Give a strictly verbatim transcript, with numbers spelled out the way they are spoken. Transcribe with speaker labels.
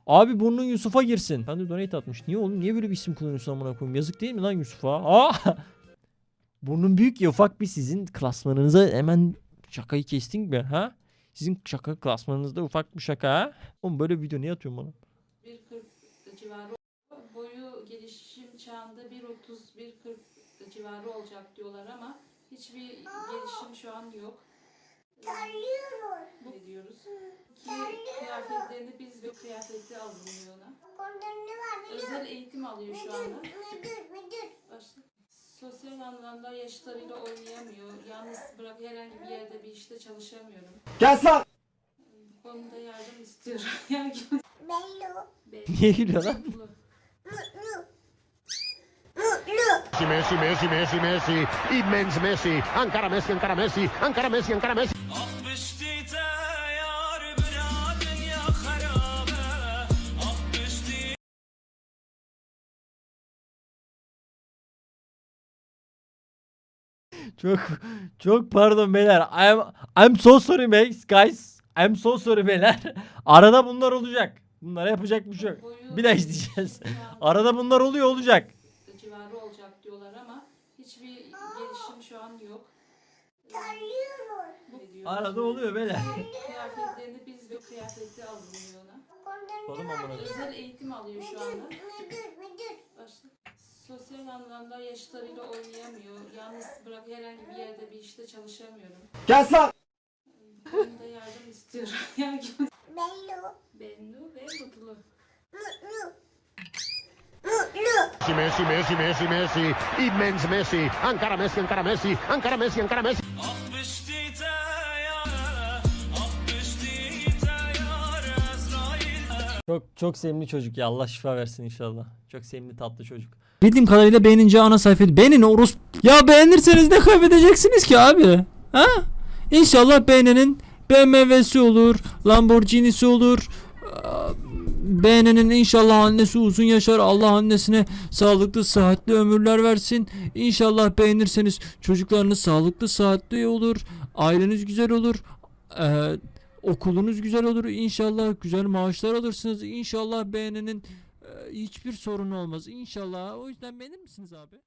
Speaker 1: Abi burnun Yusuf'a girsin. Ben de donate atmış. Niye oğlum? Niye böyle bir isim kullanıyorsun amına koyayım? Yazık değil mi lan Yusuf'a? Aa! Burnun büyük ya, ufak bir sizin klasmanınıza hemen şakayı kestin mi ha? Sizin şaka klasmanınızda ufak bir şaka ha? Oğlum böyle bir video niye atıyorsun bana?
Speaker 2: bir kırk civarı, boyu gelişim çağında bir otuz bir kırk civarı olacak diyorlar ama hiçbir gelişim şu an yok. Bu diyoruz ki kıyafetlerini biz ve kıyafetli alınıyor ona. Özel eğitim alıyor şu anda. Başka. Sosyal anlamda yaşlarıyla oynayamıyor. Yalnız bırak herhangi bir yerde bir işte çalışamıyorum.
Speaker 3: Gel lan!
Speaker 2: Bu konuda yardım istiyorum. Yardım.
Speaker 1: Niye gülüyor lan?
Speaker 4: Messi, Messi, Messi, Messi, immens Messi, encara Messi, encara Messi, encara Messi, encara Messi.
Speaker 1: Çok çok pardon beyler. I'm I'm so sorry guys. Guys. I'm so sorry beyler. Arada bunlar olacak. Bunlara yapacak bir şey yok. Bir daha izleyeceğiz. Arada bunlar oluyor olacak.
Speaker 2: Civarı olacak diyorlar ama hiçbir gelişim şu an yok. Bu
Speaker 1: Arada oluyor beyler.
Speaker 2: kıyafetlerini biz ve kıyafetli alınıyor ona.
Speaker 1: Oğlum amına.
Speaker 2: Özel eğitim alıyor şu anda. Başka. Sosyal anlamda yaşlarıyla oynayamıyor. Yalnız bırak herhangi bir yerde bir işte çalışamıyorum.
Speaker 3: Gel lan!
Speaker 2: Bu konuda yardım istiyorum. Yardım. Bennu ve Mutlu.
Speaker 4: Messi, Messi, Messi, Messi, immens Messi, encara Messi, encara Messi, encara Messi, encara Messi.
Speaker 1: Çok çok sevimli çocuk ya. Allah şifa versin inşallah. Çok sevimli tatlı çocuk. Bildiğim kadarıyla beğenince ana sayfayı beğenin orus. Ya beğenirseniz ne kaybedeceksiniz ki abi? Ha? İnşallah beğenenin B M W'si olur, Lamborghini'si olur. Beğenenin inşallah annesi uzun yaşar. Allah annesine sağlıklı, sıhhatli ömürler versin. İnşallah beğenirseniz çocuklarınız sağlıklı, sıhhatli olur. Aileniz güzel olur. Ee, okulunuz güzel olur. İnşallah güzel maaşlar alırsınız. İnşallah beğenenin e, hiçbir sorunu olmaz. İnşallah. O yüzden beğenir misiniz abi?